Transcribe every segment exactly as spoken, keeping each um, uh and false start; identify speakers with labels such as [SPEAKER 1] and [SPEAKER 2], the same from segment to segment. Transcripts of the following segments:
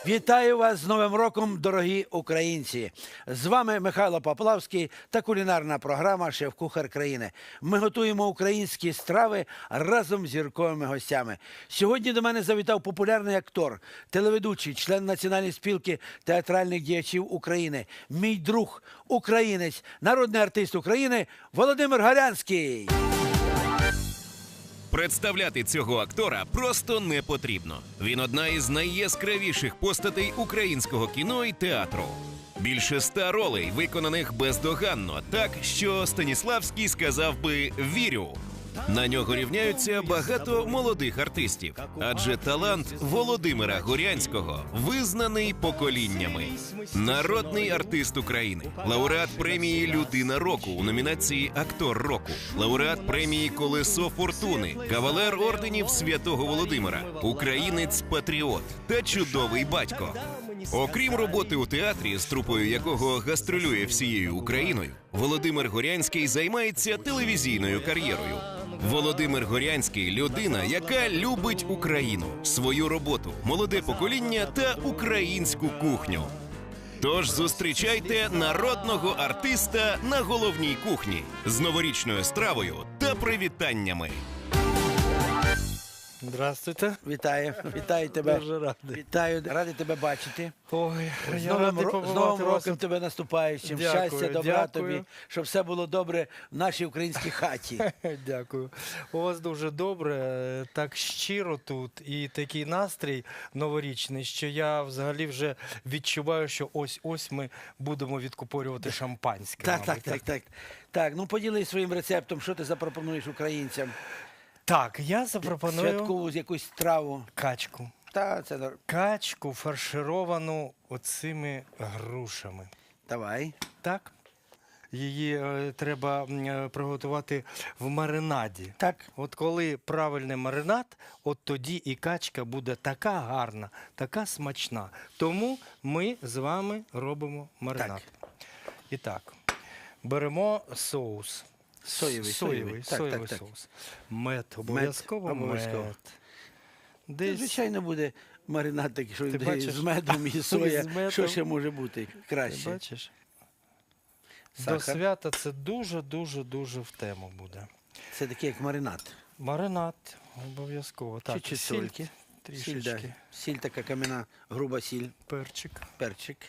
[SPEAKER 1] Вітаю вас з Новим роком, дорогі українці! З вами Михайло Поплавський та кулінарна програма «Шеф-кухар країни». Ми готуємо українські страви разом з зірковими гостями. Сьогодні до мене завітав популярний актор, телеведучий, член Національної спілки театральних діячів України, мій друг, українець, народний артист України Володимир Горянський.
[SPEAKER 2] Представляти цього актора просто не потрібно. Він одна із найяскравіших постатей українського кіно і театру. Більше ста ролей, виконаних бездоганно, так, що Станіславський сказав би «вірю». На нього рівняються багато молодих артистів, адже талант Володимира Горянського визнаний поколіннями. Народний артист України, лауреат премії «Людина року» у номінації «Актор року», лауреат премії «Колесо фортуни», кавалер орденів Святого Володимира, українець-патріот та чудовий батько. Окрім роботи у театрі, з трупою якого гастролює всією Україною, Володимир Горянський займається телевізійною кар'єрою. Володимир Горянський – людина, яка любить Україну, свою роботу, молоде покоління та українську кухню. Тож зустрічайте народного артиста на головній кухні з новорічною стравою та привітаннями.
[SPEAKER 3] Здравствуйте.
[SPEAKER 1] Вітаю, вітаю тебе.
[SPEAKER 3] Дуже радий.
[SPEAKER 1] Вітаю, радий тебе бачити.
[SPEAKER 3] Ой,
[SPEAKER 1] З
[SPEAKER 3] я
[SPEAKER 1] Новим,
[SPEAKER 3] радий
[SPEAKER 1] ро- з
[SPEAKER 3] побувати
[SPEAKER 1] Новим
[SPEAKER 3] вас.
[SPEAKER 1] роком тебе наступаючим.
[SPEAKER 3] Дякую,
[SPEAKER 1] Щастя, добра
[SPEAKER 3] дякую.
[SPEAKER 1] тобі, щоб все було добре в нашій українській хаті.
[SPEAKER 3] Дякую. У вас дуже добре, так щиро тут і такий настрій новорічний, що я взагалі вже відчуваю, що ось-ось ми будемо відкупорювати шампанське.
[SPEAKER 1] Так, так,
[SPEAKER 3] мабуть.
[SPEAKER 1] так, так. Так, ну поділись своїм рецептом, що ти запропонуєш українцям?
[SPEAKER 3] Так, я запропоную
[SPEAKER 1] Святкову якусь страву.
[SPEAKER 3] качку.
[SPEAKER 1] Та, це нор-
[SPEAKER 3] Качку фаршировану оцими грушами.
[SPEAKER 1] Давай.
[SPEAKER 3] Так? Її е, треба м, е, приготувати в маринаді.
[SPEAKER 1] Так.
[SPEAKER 3] От коли правильний маринад, от тоді і качка буде така гарна, така смачна. Тому ми з вами робимо маринад. І так, беремо соус.
[SPEAKER 1] Соєвий,
[SPEAKER 3] соєвий,
[SPEAKER 1] соєвий. Так,
[SPEAKER 3] соєвий
[SPEAKER 1] так, так.
[SPEAKER 3] соус. Мед, обов'язково мед.
[SPEAKER 1] обов'язково.
[SPEAKER 3] Десь
[SPEAKER 1] Звичайно, буде маринад такий, що
[SPEAKER 3] Ти
[SPEAKER 1] йде
[SPEAKER 3] бачиш?
[SPEAKER 1] з медом і соя.
[SPEAKER 3] З медом.
[SPEAKER 1] Що ще може бути
[SPEAKER 3] Ти
[SPEAKER 1] краще?
[SPEAKER 3] бачиш? До
[SPEAKER 1] Сахар.
[SPEAKER 3] свята це дуже-дуже-дуже в тему буде.
[SPEAKER 1] Це такий як маринад.
[SPEAKER 3] Маринад обов'язково. Так,
[SPEAKER 1] Чуть-чуть
[SPEAKER 3] сіль
[SPEAKER 1] сольки.
[SPEAKER 3] трішечки,
[SPEAKER 1] Сіль, да. Сіль така кам'яна, груба сіль,
[SPEAKER 3] перчик.
[SPEAKER 1] перчик.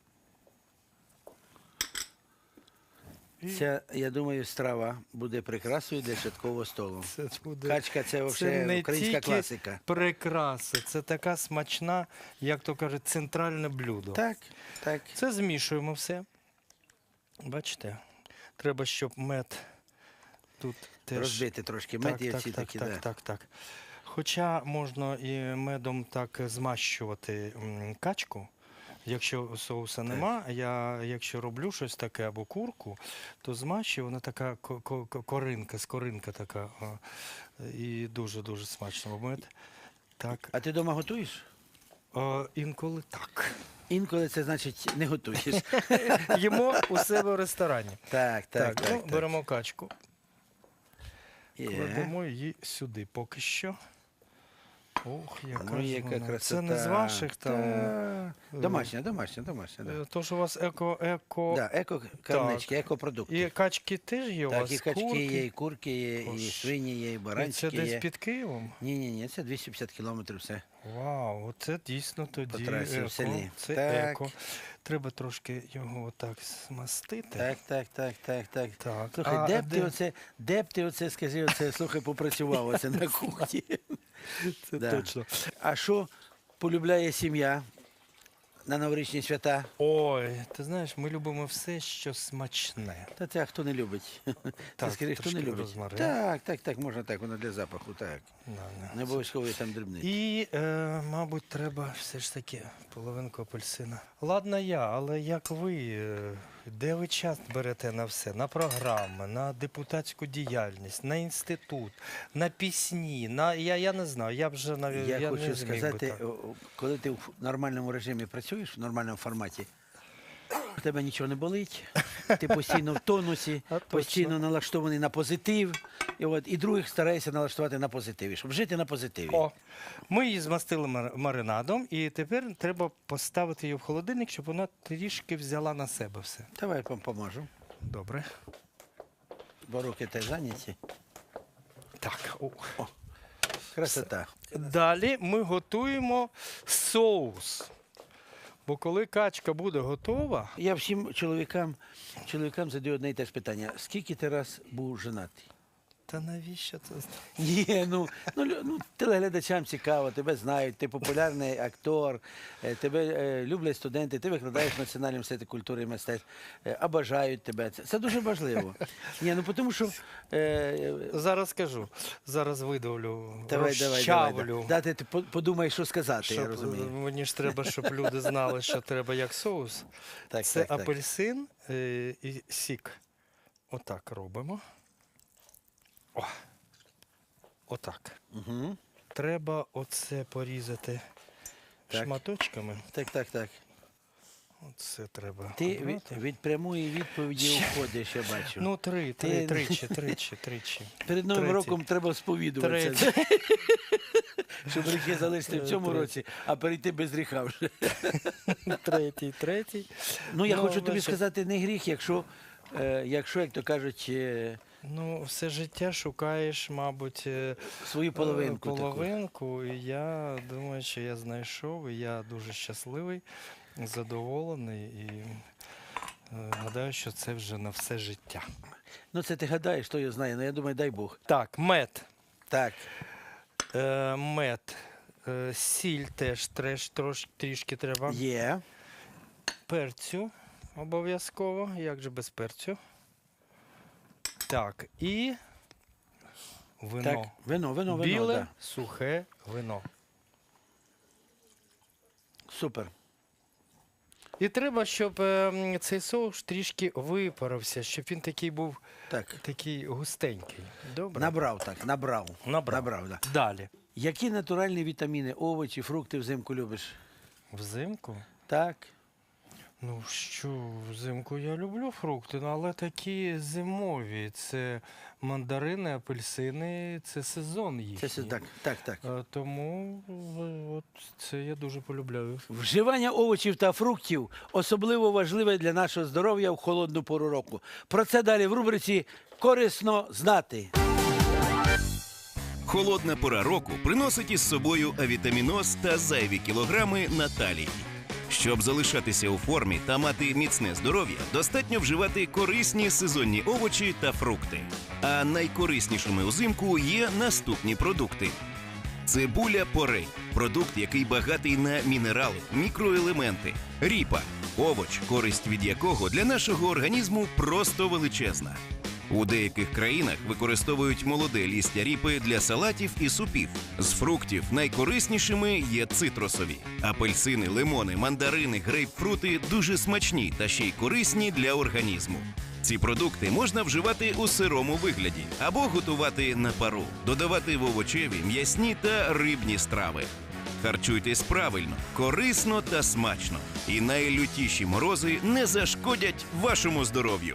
[SPEAKER 3] І
[SPEAKER 1] Ця, я думаю, страва буде прикрасою для святкового столу.
[SPEAKER 3] це буде
[SPEAKER 1] Качка – це
[SPEAKER 3] це
[SPEAKER 1] взагалі
[SPEAKER 3] не
[SPEAKER 1] українська
[SPEAKER 3] тільки
[SPEAKER 1] класика.
[SPEAKER 3] прикраса, це така смачна, як то кажуть, центральне блюдо.
[SPEAKER 1] Так, так.
[SPEAKER 3] Це змішуємо все. Бачите? Треба, щоб мед тут теж...
[SPEAKER 1] Розбити трошки мед
[SPEAKER 3] Так,
[SPEAKER 1] і
[SPEAKER 3] так,
[SPEAKER 1] всі
[SPEAKER 3] так,
[SPEAKER 1] такі.
[SPEAKER 3] так,
[SPEAKER 1] да.
[SPEAKER 3] так, так. Хоча можна і медом так змащувати м, качку. Якщо соуса нема, я якщо роблю щось таке або курку, то змащую, вона така ко- ко- ко- коринка, скоринка така. а, І дуже-дуже смачно. Мед. Так.
[SPEAKER 1] А ти вдома готуєш?
[SPEAKER 3] А, інколи так.
[SPEAKER 1] Інколи це значить не готуєш.
[SPEAKER 3] Їмо у себе в ресторані.
[SPEAKER 1] Так, так, так.
[SPEAKER 3] ну,
[SPEAKER 1] так.
[SPEAKER 3] беремо качку,
[SPEAKER 1] Є.
[SPEAKER 3] кладемо її сюди поки що. Ох, яка,
[SPEAKER 1] Ну,
[SPEAKER 3] ж
[SPEAKER 1] яка
[SPEAKER 3] вона.
[SPEAKER 1] красота.
[SPEAKER 3] Це не з ваших там.
[SPEAKER 1] Та. Домашня, домашня, домашня. Да.
[SPEAKER 3] Е, То, що у вас еко, еко.
[SPEAKER 1] Да, еко-карнички, еко-продукти.
[SPEAKER 3] І качки теж є у
[SPEAKER 1] Так,
[SPEAKER 3] вас?
[SPEAKER 1] і качки
[SPEAKER 3] курки?
[SPEAKER 1] є, і курки є, і
[SPEAKER 3] Ось.
[SPEAKER 1] свині є, і
[SPEAKER 3] І це
[SPEAKER 1] баранчики
[SPEAKER 3] десь
[SPEAKER 1] є.
[SPEAKER 3] під Києвом?
[SPEAKER 1] Ні, ні, ні, це двісті п'ятдесят кілометрів все.
[SPEAKER 3] Вау, оце дійсно тоді
[SPEAKER 1] По трасі в
[SPEAKER 3] еко.
[SPEAKER 1] селі.
[SPEAKER 3] Це
[SPEAKER 1] Так.
[SPEAKER 3] еко. Треба трошки його отак змастити.
[SPEAKER 1] Так, так, так, так, так.
[SPEAKER 3] Так.
[SPEAKER 1] Слухай,
[SPEAKER 3] А,
[SPEAKER 1] де б ти
[SPEAKER 3] де-
[SPEAKER 1] оце, де б ти оце, скажи, оце, слухай, попрацював оце на кухні.
[SPEAKER 3] Це
[SPEAKER 1] Да.
[SPEAKER 3] точно.
[SPEAKER 1] А що полюбляє сім'я на новорічні свята?
[SPEAKER 3] Ой, ти знаєш, ми любимо все, що смачне.
[SPEAKER 1] Та це а хто не любить? Ти
[SPEAKER 3] Так,
[SPEAKER 1] скажи, хто не
[SPEAKER 3] трошки
[SPEAKER 1] любить?
[SPEAKER 3] розмарин.
[SPEAKER 1] Так, так, так, можна так, воно для запаху, так.
[SPEAKER 3] Да, да.
[SPEAKER 1] Не обов'язково є там дрібниці.
[SPEAKER 3] І, е, мабуть, треба все ж таки половинку апельсина. Ладно я, але як ви, е, де ви час берете на все? На програми, на депутатську діяльність, на інститут, на пісні, на, я, я не знаю, я б вже навіть
[SPEAKER 1] Я,
[SPEAKER 3] я
[SPEAKER 1] хочу
[SPEAKER 3] не зміг би
[SPEAKER 1] сказати,
[SPEAKER 3] так.
[SPEAKER 1] о, о, коли ти в нормальному режимі працюєш, в нормальному форматі, в тебе нічого не болить, ти постійно в тонусі,
[SPEAKER 3] А точно.
[SPEAKER 1] постійно налаштований на позитив, І, от, і других стараюся налаштувати на позитиві, щоб жити на позитиві.
[SPEAKER 3] О, ми її змастили мар- маринадом, і тепер треба поставити її в холодильник, щоб вона трішки взяла на себе все.
[SPEAKER 1] Давай я вам поможу,
[SPEAKER 3] Добре.
[SPEAKER 1] бо руки теж зайняті.
[SPEAKER 3] Так. О.
[SPEAKER 1] Красота.
[SPEAKER 3] Далі ми готуємо соус. Бо коли качка буде готова,
[SPEAKER 1] Я всім чоловікам, чоловікам задаю одне і те ж питання. Скільки ти раз був женатий?
[SPEAKER 3] та навіщо це?
[SPEAKER 1] Ні, ну, ну, лю- ну телеглядачам цікаво, тебе знають, ти популярний актор, е, тебе е, люблять студенти, ти викладаєш в Національному університеті культури і мистецтв, е, а бажають тебе. Це, це дуже важливо. Ні, ну тому що е,
[SPEAKER 3] Зараз скажу. Зараз видавлю,
[SPEAKER 1] давай, давай,
[SPEAKER 3] розчавлю.
[SPEAKER 1] давай, да. Дати ти по- подумаєш, що сказати, я
[SPEAKER 3] Щоб,
[SPEAKER 1] розумію.
[SPEAKER 3] мені ж треба, щоб люди знали, що треба як соус.
[SPEAKER 1] Так,
[SPEAKER 3] Це
[SPEAKER 1] так, так.
[SPEAKER 3] апельсин е, і сік. Отак робимо. О. Отак.
[SPEAKER 1] Угу.
[SPEAKER 3] Треба оце порізати
[SPEAKER 1] Так.
[SPEAKER 3] шматочками.
[SPEAKER 1] Так, так, так.
[SPEAKER 3] Оце треба.
[SPEAKER 1] Ти від,
[SPEAKER 3] обрати.
[SPEAKER 1] від прямої відповіді уходиш, я бачу.
[SPEAKER 3] Ну, три, три,
[SPEAKER 1] Ти-
[SPEAKER 3] тричі, тричі, тричі.
[SPEAKER 1] Перед Новим
[SPEAKER 3] третій.
[SPEAKER 1] роком треба сповідуватися,
[SPEAKER 3] Третій.
[SPEAKER 1] щоб гріхи залишити в цьому
[SPEAKER 3] Третій.
[SPEAKER 1] році, а перейти без гріха вже.
[SPEAKER 3] Третій, третій.
[SPEAKER 1] Ну, я
[SPEAKER 3] Ну,
[SPEAKER 1] хочу тобі
[SPEAKER 3] бачиш.
[SPEAKER 1] сказати, не гріх, якщо, е, якщо як то кажуть, е,
[SPEAKER 3] Ну, все життя шукаєш, мабуть, е,
[SPEAKER 1] свою половинку.
[SPEAKER 3] е,
[SPEAKER 1] таку.
[SPEAKER 3] половинку. І я думаю, що я знайшов, і я дуже щасливий, задоволений. І е, гадаю, що це вже на все життя.
[SPEAKER 1] Ну, це ти гадаєш, хто його знає, ну я думаю, дай Бог.
[SPEAKER 3] Так, мед.
[SPEAKER 1] Так,
[SPEAKER 3] Е, мед. Е, сіль теж треш, трош, трішки треба.
[SPEAKER 1] є.
[SPEAKER 3] Перцю обов'язково. Як же без перцю? Так, і вино.
[SPEAKER 1] Так, вино, вино, вино,
[SPEAKER 3] Біле,
[SPEAKER 1] да.
[SPEAKER 3] сухе вино.
[SPEAKER 1] Супер.
[SPEAKER 3] І треба, щоб е, м, цей соус трішки випарився, щоб він такий був
[SPEAKER 1] Так.
[SPEAKER 3] такий густенький. Добре?
[SPEAKER 1] Набрав так, набрав.
[SPEAKER 3] Набрав.
[SPEAKER 1] Набрав, да.
[SPEAKER 3] Далі.
[SPEAKER 1] Які натуральні вітаміни, овочі, фрукти взимку любиш?
[SPEAKER 3] Взимку?
[SPEAKER 1] Так.
[SPEAKER 3] Ну що, взимку я люблю фрукти, ну, але такі зимові. Це мандарини, апельсини, це сезон їхній.
[SPEAKER 1] Це все так, так, так.
[SPEAKER 3] Е, Тому е, от це я дуже полюбляю.
[SPEAKER 1] Вживання овочів та фруктів особливо важливе для нашого здоров'я в холодну пору року. Про це далі в рубриці «Корисно знати».
[SPEAKER 2] Холодна пора року приносить із собою авітаміноз та зайві кілограми на талії. Щоб залишатися у формі та мати міцне здоров'я, достатньо вживати корисні сезонні овочі та фрукти. А найкориснішими узимку є наступні продукти. Цибуля порей – продукт, який багатий на мінерали, мікроелементи. Ріпа – овоч, користь від якого для нашого організму просто величезна. У деяких країнах використовують молоде лістя ріпи для салатів і супів. З фруктів найкориснішими є цитрусові. Апельсини, лимони, мандарини, грейпфрути дуже смачні та ще й корисні для організму. Ці продукти можна вживати у сирому вигляді або готувати на пару, додавати в овочеві, м'ясні та рибні страви. Харчуйтесь правильно, корисно та смачно. І найлютіші морози не зашкодять вашому здоров'ю.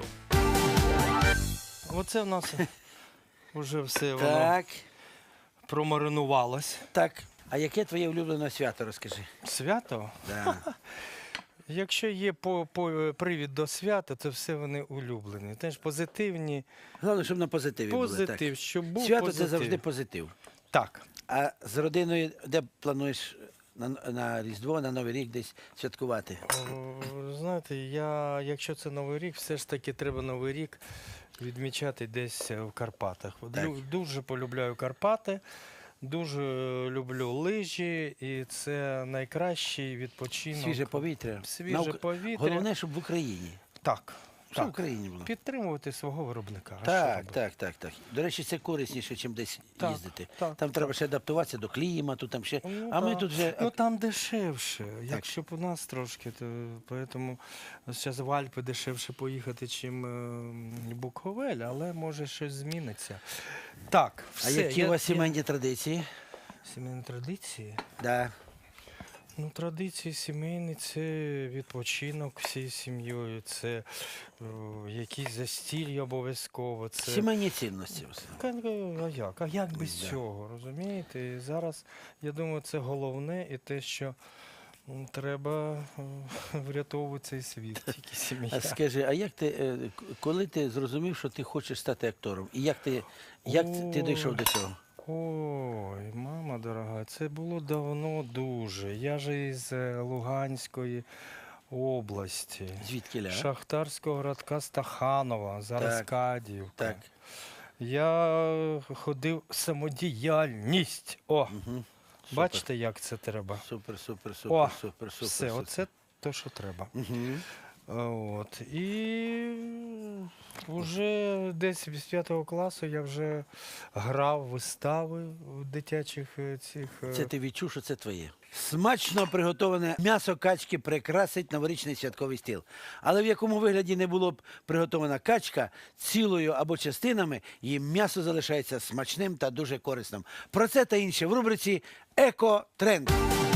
[SPEAKER 3] Оце в нас вже все воно
[SPEAKER 1] Так,
[SPEAKER 3] промаринувалось.
[SPEAKER 1] так. А яке твоє улюблене свято, розкажи?
[SPEAKER 3] Свято?
[SPEAKER 1] Да.
[SPEAKER 3] Якщо є по, по, привід до свята, то все вони улюблені. Теж позитивні.
[SPEAKER 1] Головне, щоб на позитиві були.
[SPEAKER 3] Позитив,
[SPEAKER 1] Так.
[SPEAKER 3] щоб був
[SPEAKER 1] Свято
[SPEAKER 3] позитив.
[SPEAKER 1] це завжди позитив.
[SPEAKER 3] Так.
[SPEAKER 1] А з родиною де плануєш на, на Різдво, на Новий рік десь святкувати?
[SPEAKER 3] О, знаєте, я, якщо це Новий рік, все ж таки треба Новий рік відмічати десь в Карпатах.
[SPEAKER 1] Так.
[SPEAKER 3] Лю- Дуже полюбляю Карпати, дуже люблю лижі, і це найкращий відпочинок.
[SPEAKER 1] Свіже повітря.
[SPEAKER 3] Свіже
[SPEAKER 1] На Ук-
[SPEAKER 3] повітря.
[SPEAKER 1] Головне, щоб в Україні.
[SPEAKER 3] Так.
[SPEAKER 1] Щоб в
[SPEAKER 3] Так.
[SPEAKER 1] Україні було.
[SPEAKER 3] Підтримувати свого виробника. А що
[SPEAKER 1] Так,
[SPEAKER 3] робити?
[SPEAKER 1] так, так, так. До речі, це корисніше, ніж десь
[SPEAKER 3] Так,
[SPEAKER 1] їздити.
[SPEAKER 3] так,
[SPEAKER 1] Там треба ще адаптуватися до клімату, там ще.
[SPEAKER 3] Ну,
[SPEAKER 1] а ми
[SPEAKER 3] так.
[SPEAKER 1] тут вже.
[SPEAKER 3] Ну там дешевше. Якщо б у нас трошки, то поэтому зараз в Альпи дешевше поїхати, чим е, Буковель, але може щось зміниться. Так,
[SPEAKER 1] а
[SPEAKER 3] все.
[SPEAKER 1] які
[SPEAKER 3] я-
[SPEAKER 1] у вас
[SPEAKER 3] я-
[SPEAKER 1] сімейні традиції?
[SPEAKER 3] Сімейні традиції?
[SPEAKER 1] Да.
[SPEAKER 3] Ну, традиції сімейні – це відпочинок всією сім'єю, це о, якісь застілля обов'язково. Це...
[SPEAKER 1] Сімейні цінності.
[SPEAKER 3] Ка- А як? А як без
[SPEAKER 1] Да.
[SPEAKER 3] цього, розумієте? І зараз, я думаю, це головне і те, що м, треба е, врятовувати цей світ, тільки сім'я.
[SPEAKER 1] А скажи, а як ти, е, к- коли ти зрозумів, що ти хочеш стати актором? І як ти, як ти- ти дійшов до цього?
[SPEAKER 3] Ой, мама дорога, це було давно дуже. Я ж із е, Луганської області,
[SPEAKER 1] Звідки ля?
[SPEAKER 3] шахтарського городка Стаханова, зараз
[SPEAKER 1] Так,
[SPEAKER 3] Кадіївка.
[SPEAKER 1] Так.
[SPEAKER 3] Я е, ходив самодіяльність. О,
[SPEAKER 1] Угу.
[SPEAKER 3] бачите, як це треба?
[SPEAKER 1] Супер, супер,
[SPEAKER 3] О,
[SPEAKER 1] супер, супер, супер.
[SPEAKER 3] Все,
[SPEAKER 1] супер.
[SPEAKER 3] оце те, що треба.
[SPEAKER 1] Угу.
[SPEAKER 3] А, От. І вже десь з п'ятого класу я вже грав вистави в дитячих е, цих. е,
[SPEAKER 1] Це ти відчув, що це твоє. Смачно приготоване м'ясо качки прикрасить новорічний святковий стіл. Але в якому вигляді не було б приготована качка, цілою або частинами, її м'ясо залишається смачним та дуже корисним. Про це та інше в рубриці «Еко-тренд».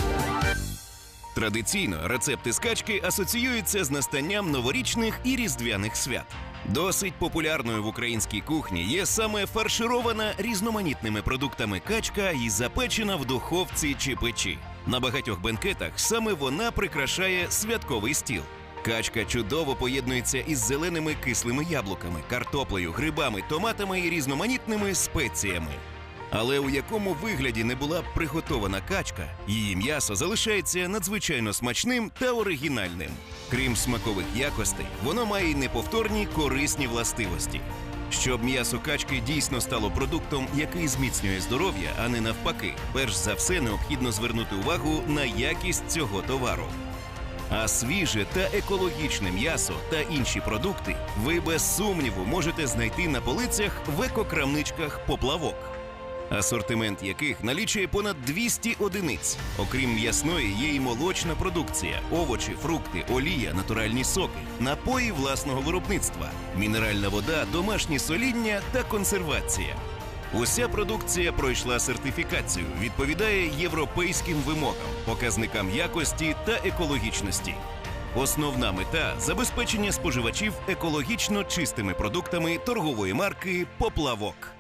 [SPEAKER 2] Традиційно рецепти з качки асоціюються з настанням новорічних і різдвяних свят. Досить популярною в українській кухні є саме фарширована різноманітними продуктами качка і запечена в духовці чи печі. На багатьох бенкетах саме вона прикрашає святковий стіл. Качка чудово поєднується із зеленими кислими яблуками, картоплею, грибами, томатами і різноманітними спеціями. Але у якому вигляді не була б приготована качка, її м'ясо залишається надзвичайно смачним та оригінальним. Крім смакових якостей, воно має й неповторні корисні властивості. Щоб м'ясо качки дійсно стало продуктом, який зміцнює здоров'я, а не навпаки, перш за все необхідно звернути увагу на якість цього товару. А свіже та екологічне м'ясо та інші продукти ви без сумніву можете знайти на полицях в екокрамничках «Поплавок», асортимент яких налічує понад двісті одиниць. Окрім м'ясної, є і молочна продукція, овочі, фрукти, олія, натуральні соки, напої власного виробництва, мінеральна вода, домашні соління та консервація. Уся продукція пройшла сертифікацію, відповідає європейським вимогам, показникам якості та екологічності. Основна мета – забезпечення споживачів екологічно чистими продуктами торгової марки «Поплавок».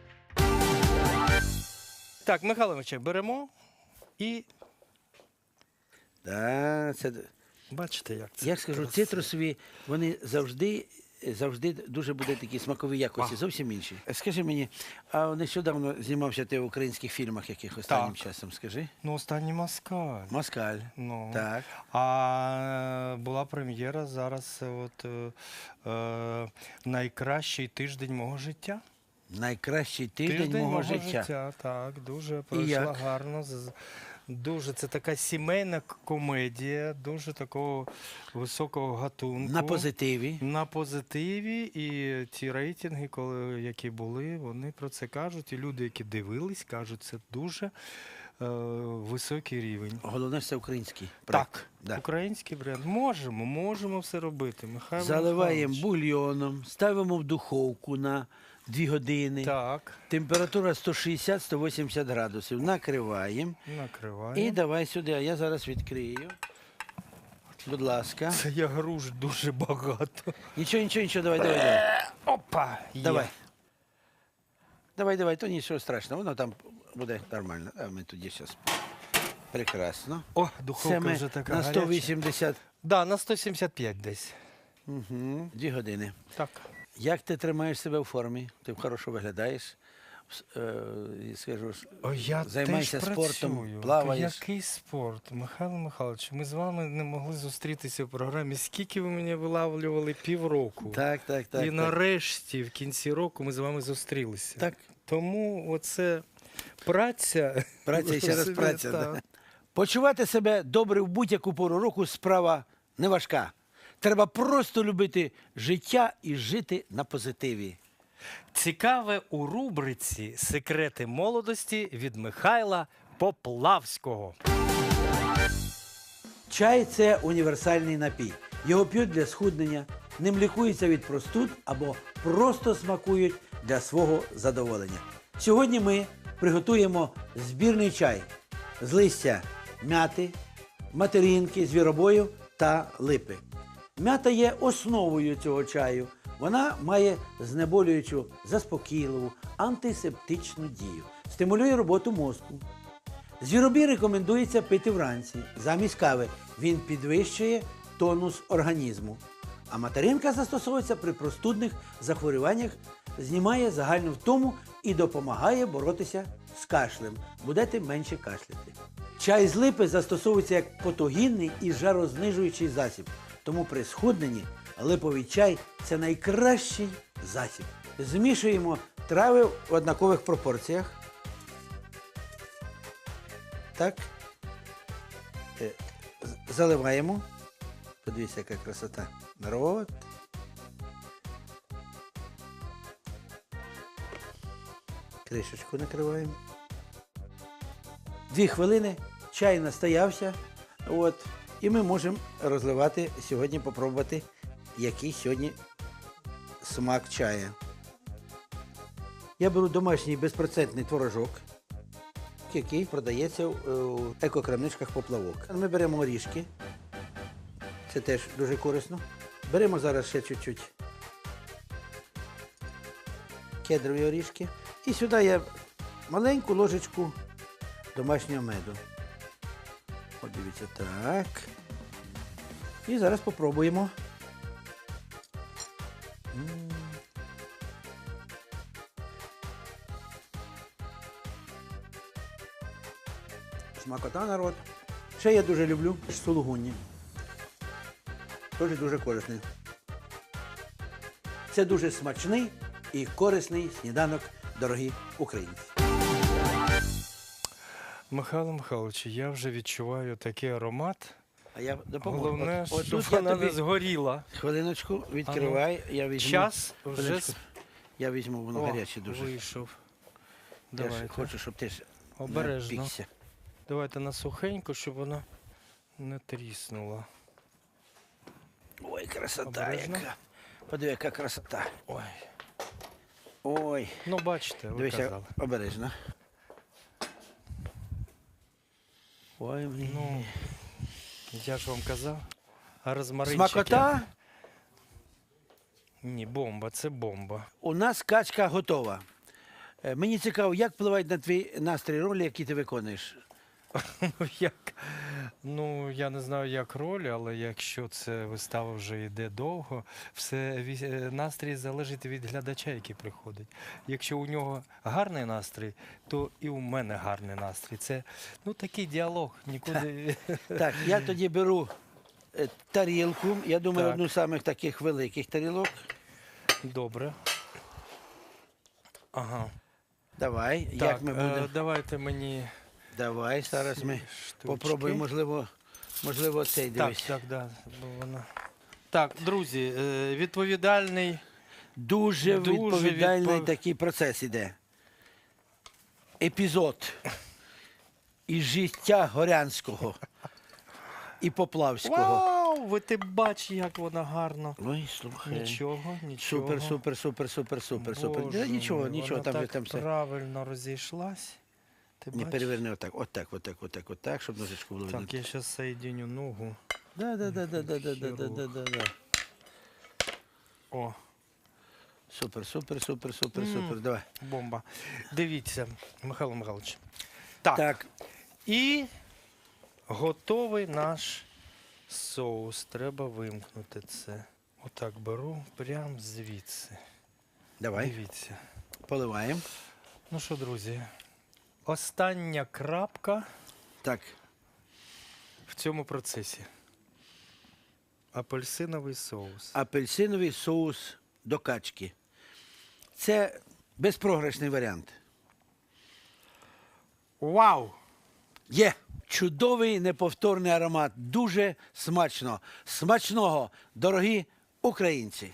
[SPEAKER 3] Так, Михайло Іванович, беремо і
[SPEAKER 1] Да, це...
[SPEAKER 3] бачите, як це.
[SPEAKER 1] Я скажу,
[SPEAKER 3] красиво.
[SPEAKER 1] цитрусові, вони завжди, завжди дуже будуть такі смакові якості,
[SPEAKER 3] А.
[SPEAKER 1] зовсім інші. Скажи мені, а нещодавно знімався ти в українських фільмах яких останнім
[SPEAKER 3] Так.
[SPEAKER 1] часом, скажи?
[SPEAKER 3] Ну, останній Москаль.
[SPEAKER 1] Москаль.
[SPEAKER 3] Ну.
[SPEAKER 1] Так.
[SPEAKER 3] А е, була прем'єра зараз, от, е, е, найкращий тиждень мого життя.
[SPEAKER 1] Найкращий тиждень, мого, життя.
[SPEAKER 3] Так, дуже пройшла
[SPEAKER 1] як?
[SPEAKER 3] гарно. з- Дуже це така сімейна к- комедія, дуже такого високого гатунку.
[SPEAKER 1] На позитиві.
[SPEAKER 3] На позитиві, і ті рейтинги, коли, які були, вони про це кажуть. І люди, які дивились, кажуть, це дуже е, високий рівень.
[SPEAKER 1] Головне, що це український проект.
[SPEAKER 3] Так,
[SPEAKER 1] Да.
[SPEAKER 3] український бренд. Можемо, можемо все робити. Михайло
[SPEAKER 1] Заливаємо
[SPEAKER 3] Михайлович.
[SPEAKER 1] бульйоном, ставимо в духовку на дві години.
[SPEAKER 3] Так,
[SPEAKER 1] Температура сто шістдесят - сто вісімдесят градусів. Накриваємо.
[SPEAKER 3] накриваємо.
[SPEAKER 1] І давай сюди, а я зараз відкрию. Будь ласка.
[SPEAKER 3] Це я груш дуже багато.
[SPEAKER 1] Нічого, нічого, нічого, давай, давай, давай.
[SPEAKER 3] Опа! є.
[SPEAKER 1] Давай. Давай, давай, то нічого страшного, воно там буде нормально. А ми тоді зараз. Прекрасно.
[SPEAKER 3] О,
[SPEAKER 1] Це
[SPEAKER 3] духовка
[SPEAKER 1] ми
[SPEAKER 3] вже така
[SPEAKER 1] на
[SPEAKER 3] гаряча.
[SPEAKER 1] сто вісімдесят.
[SPEAKER 3] Да, на сто сімдесят п'ять десь.
[SPEAKER 1] Угу. Дві години.
[SPEAKER 3] Так.
[SPEAKER 1] Як ти тримаєш себе в формі? Ти хорошо виглядаєш. С- е, і скажу, ж,
[SPEAKER 3] О, я
[SPEAKER 1] займайся
[SPEAKER 3] теж
[SPEAKER 1] спортом,
[SPEAKER 3] працюю.
[SPEAKER 1] плаваєш.
[SPEAKER 3] Який спорт? Михайло Михайлович, ми з вами не могли зустрітися в програмі. Скільки ви мене вилавлювали? Півроку.
[SPEAKER 1] Так, так, так.
[SPEAKER 3] І
[SPEAKER 1] так.
[SPEAKER 3] нарешті, в кінці року, ми з вами зустрілися.
[SPEAKER 1] Так.
[SPEAKER 3] Тому оце праця.
[SPEAKER 1] Праця і ще раз
[SPEAKER 3] Собі,
[SPEAKER 1] праця.
[SPEAKER 3] так.
[SPEAKER 1] Да. Почувати себе добре в будь-яку пору року справа не важка. Треба просто любити життя і жити на позитиві.
[SPEAKER 3] Цікаве у рубриці «Секрети молодості» від Михайла Поплавського.
[SPEAKER 1] Чай – це універсальний напій. Його п'ють для схуднення, ним лікуються від простуд або просто смакують для свого задоволення. Сьогодні ми приготуємо збірний чай з листя мяти, материнки, звіробою та липи. М'ята є основою цього чаю. Вона має знеболюючу, заспокійливу, антисептичну дію. Стимулює роботу мозку. Звіробій рекомендується пити вранці, замість кави. Він підвищує тонус організму. А материнка застосовується при простудних захворюваннях, знімає загальну втому і допомагає боротися з кашлем. Будете менше кашляти. Чай з липи застосовується як потогінний і жарознижуючий засіб. Тому при схудненні липовий чай – це найкращий засіб. Змішуємо трави в однакових пропорціях. Так. Е, з- Заливаємо. Подивіться, яка красота. Народ. Кришечку накриваємо. Дві хвилини, чай настоявся. От. І ми можемо розливати сьогодні, попробувати, який сьогодні смак чая. Я беру домашній безпроцентний творожок, який продається в екокрамничках «Поплавок». Ми беремо орішки. Це теж дуже корисно. Беремо зараз ще чуть-чуть кедрові орішки. І сюди я маленьку ложечку домашнього меду. От дивіться, так. І зараз попробуємо. М. Смакота, народ. Ще я дуже люблю сулугунні. Теж дуже корисний. Це дуже смачний і корисний сніданок, дорогі українці.
[SPEAKER 3] Михайло Михайлович, я вже відчуваю такий аромат.
[SPEAKER 1] А я допоможу.
[SPEAKER 3] Головне,
[SPEAKER 1] От- от
[SPEAKER 3] щоб
[SPEAKER 1] тут я
[SPEAKER 3] вона
[SPEAKER 1] тобі-
[SPEAKER 3] не згоріла.
[SPEAKER 1] Хвилиночку, відкривай, я візьму.
[SPEAKER 3] Час вже
[SPEAKER 1] Хвилиночку.
[SPEAKER 3] с-
[SPEAKER 1] Я візьму, воно
[SPEAKER 3] О,
[SPEAKER 1] гаряче дуже.
[SPEAKER 3] вийшов.
[SPEAKER 1] Я ж
[SPEAKER 3] Давайте.
[SPEAKER 1] хочу, щоб ти ж
[SPEAKER 3] Обережно.
[SPEAKER 1] напікся.
[SPEAKER 3] Давайте на сухеньку, щоб вона не тріснула.
[SPEAKER 1] Ой, красота
[SPEAKER 3] Обережно.
[SPEAKER 1] яка. Подиви, яка красота.
[SPEAKER 3] Ой.
[SPEAKER 1] Ой.
[SPEAKER 3] Ну, бачите, ви
[SPEAKER 1] Дивися,
[SPEAKER 3] казали.
[SPEAKER 1] обережно. Ой, блін.
[SPEAKER 3] Ну, я ж вам казав. А розмаринчики?
[SPEAKER 1] Смакота.
[SPEAKER 3] Ні, бомба, це бомба.
[SPEAKER 1] У нас качка готова. Е, Мені цікаво, як впливають на твій настрій ролі, які ти виконуєш.
[SPEAKER 3] Ну, як? Ну, я не знаю, як роль, але якщо це вистава вже йде довго, все ві- е, настрій залежить від глядача, який приходить. Якщо у нього гарний настрій, то і у мене гарний настрій. Це ну такий діалог, нікуди.
[SPEAKER 1] Так, я тоді беру е, тарілку. Я думаю,
[SPEAKER 3] Так.
[SPEAKER 1] одну з самих таких великих тарілок.
[SPEAKER 3] Добре. Ага.
[SPEAKER 1] Давай,
[SPEAKER 3] Так,
[SPEAKER 1] як ми будемо.
[SPEAKER 3] е, давайте мені
[SPEAKER 1] Давай, зараз
[SPEAKER 3] ці
[SPEAKER 1] ми
[SPEAKER 3] штучки.
[SPEAKER 1] попробуємо, можливо, можливо, цей
[SPEAKER 3] Так,
[SPEAKER 1] дивись.
[SPEAKER 3] так, да, бо вона. Так, друзі, е, відповідальний.
[SPEAKER 1] Дуже,
[SPEAKER 3] Дуже
[SPEAKER 1] відповідальний
[SPEAKER 3] відпов-
[SPEAKER 1] такий процес іде. Епізод із життя Горянського і Поплавського.
[SPEAKER 3] Вау! Ви ти бач, як вона гарно.
[SPEAKER 1] Ой, слухай.
[SPEAKER 3] Нічого, нічого.
[SPEAKER 1] Супер, супер, супер, супер, супер, супер.
[SPEAKER 3] Боже
[SPEAKER 1] Да, нічого,
[SPEAKER 3] мій,
[SPEAKER 1] нічого,
[SPEAKER 3] вона
[SPEAKER 1] там же
[SPEAKER 3] так
[SPEAKER 1] там все.
[SPEAKER 3] правильно розійшлась. Ти
[SPEAKER 1] Не
[SPEAKER 3] бачиш?
[SPEAKER 1] переверни отак, отак, отак, отак, отак, щоб ножичку було видно.
[SPEAKER 3] Так, я зараз соєдиню ногу.
[SPEAKER 1] Да, да, да, да, да, да, да, да, да, да, да.
[SPEAKER 3] О,
[SPEAKER 1] Супер, супер, супер, супер,
[SPEAKER 3] М.
[SPEAKER 1] супер. Давай.
[SPEAKER 3] бомба. Дивіться, Михайло Михайлович. Так.
[SPEAKER 1] Так,
[SPEAKER 3] І готовий наш соус. Треба вимкнути це. Отак беру прямо звідси.
[SPEAKER 1] давай,
[SPEAKER 3] Дивіться.
[SPEAKER 1] поливаємо.
[SPEAKER 3] Ну що, друзі, остання крапка
[SPEAKER 1] Так,
[SPEAKER 3] в цьому процесі. Апельсиновий соус.
[SPEAKER 1] апельсиновий соус до качки. Це безпрограшний варіант.
[SPEAKER 3] Вау!
[SPEAKER 1] Є чудовий неповторний аромат. Дуже смачно. Смачного, дорогі українці.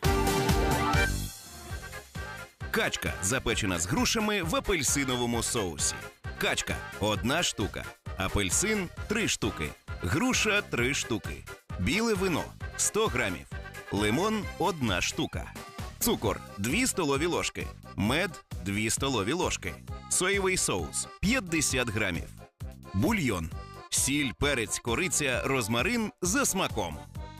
[SPEAKER 2] Качка запечена з грушами в апельсиновому соусі. Качка одна штука. Апельсин три штуки. Груша три штуки. Біле вино сто грамів. Лимон одна штука. Цукор дві столові ложки. Мед дві столові ложки. Соєвий соус п'ятдесят грамів. Бульйон сіль, перець, кориця, розмарин за смаком.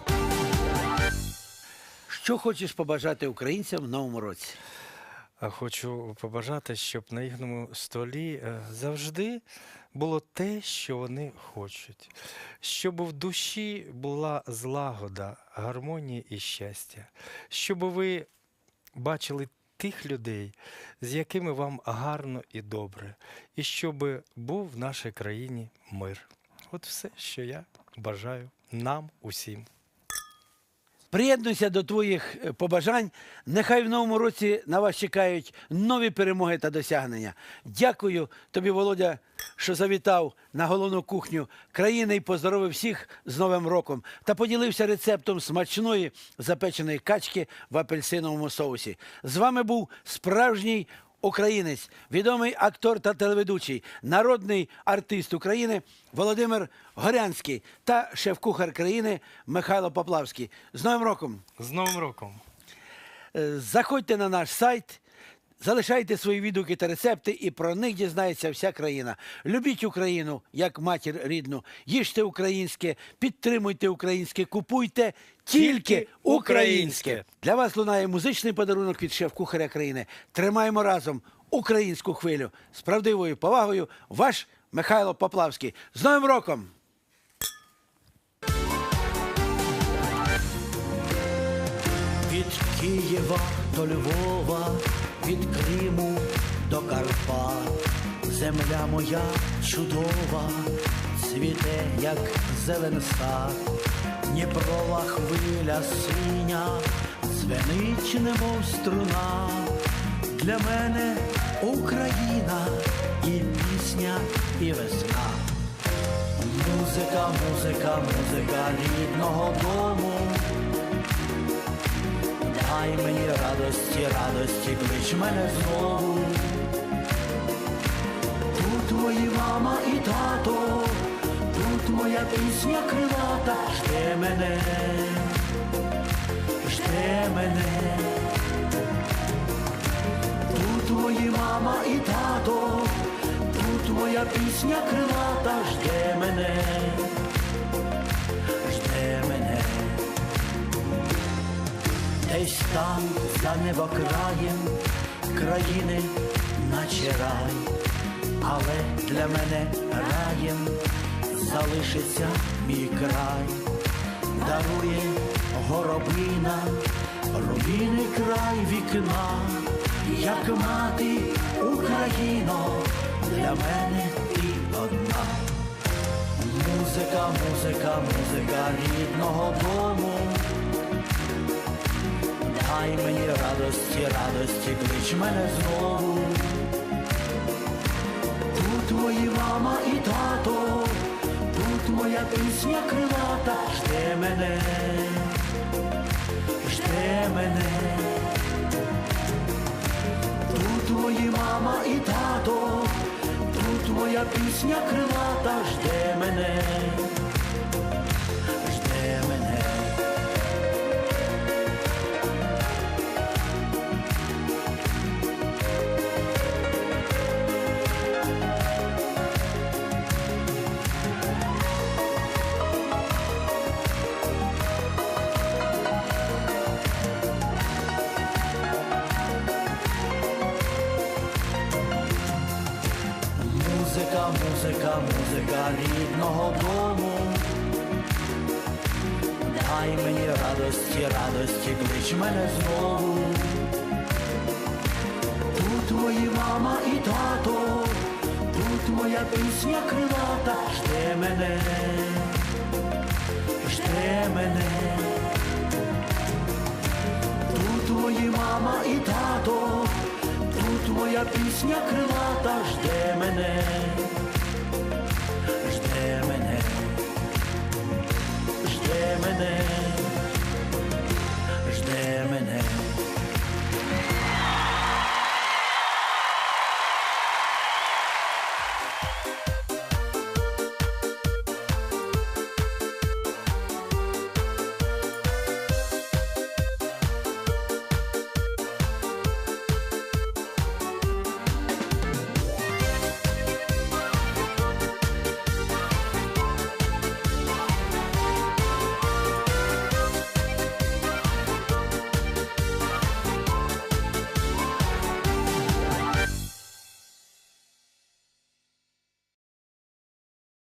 [SPEAKER 1] Що хочеш побажати українцям в новому році?
[SPEAKER 3] А хочу побажати, щоб на їхньому столі е, завжди було те, що вони хочуть. Щоб в душі була злагода, гармонія і щастя. Щоб ви бачили тих людей, з якими вам гарно і добре. І щоб був в нашій країні мир. От все, що я бажаю нам усім.
[SPEAKER 1] Приєднуйся до твоїх е, побажань. Нехай в новому році на вас чекають нові перемоги та досягнення. Дякую тобі, Володя, що завітав на головну кухню країни і поздоровив всіх з Новим роком та поділився рецептом смачної запеченої качки в апельсиновому соусі. З вами був справжній українець, відомий актор та телеведучий, народний артист України Володимир Горянський та шеф-кухар країни Михайло Поплавський. З Новим роком!
[SPEAKER 3] З Новим роком!
[SPEAKER 1] Е, Заходьте на наш сайт, залишайте свої відгуки та рецепти, і про них дізнається вся країна. Любіть Україну як матір рідну, їжте українське, підтримуйте українське, купуйте тільки українське. Для вас лунає музичний подарунок від шеф-кухаря країни. Тримаємо разом українську хвилю. З правдивою повагою, ваш Михайло Поплавський. З Новим роком!
[SPEAKER 4] Від Києва до Львова, від Криму до Карпат, земля моя чудова, цвіте, як зелен сад, Дніпрова хвиля синя, дзвенить, немов струна. Для мене Україна і пісня, і весна. Музика, музика, музика рідного дому. Дай мені радості, радості, клич мене знову. Тут мої мама і тато, тут моя пісня крилата. Жде мене, жде мене. Тут мої мама і тато, тут моя пісня крилата. Жде мене, жде мене. Десь там, за небокраєм, країни наче рай, але для мене раєм залишиться мій край. Дарує горобина, рубіний край вікна, як мати Україно, для мене ти одна. Музика, музика, музика рідного дому. Дай мені радості, радості, клич мене знову. Тут мої мама і тато, тут моя пісня крилата. Жде мене, жде мене. Тут мої мама і тато, тут моя пісня крилата. Жде мене, жде мене. Музика, музика, музика рідного дому. Дай мені радості, радості, клич мене знову. Тут мої мама і тато, тут моя пісня крилата. Жде мене, жде мене. Тут мої мама і тато, тут моя пісня крилата. Жде мене,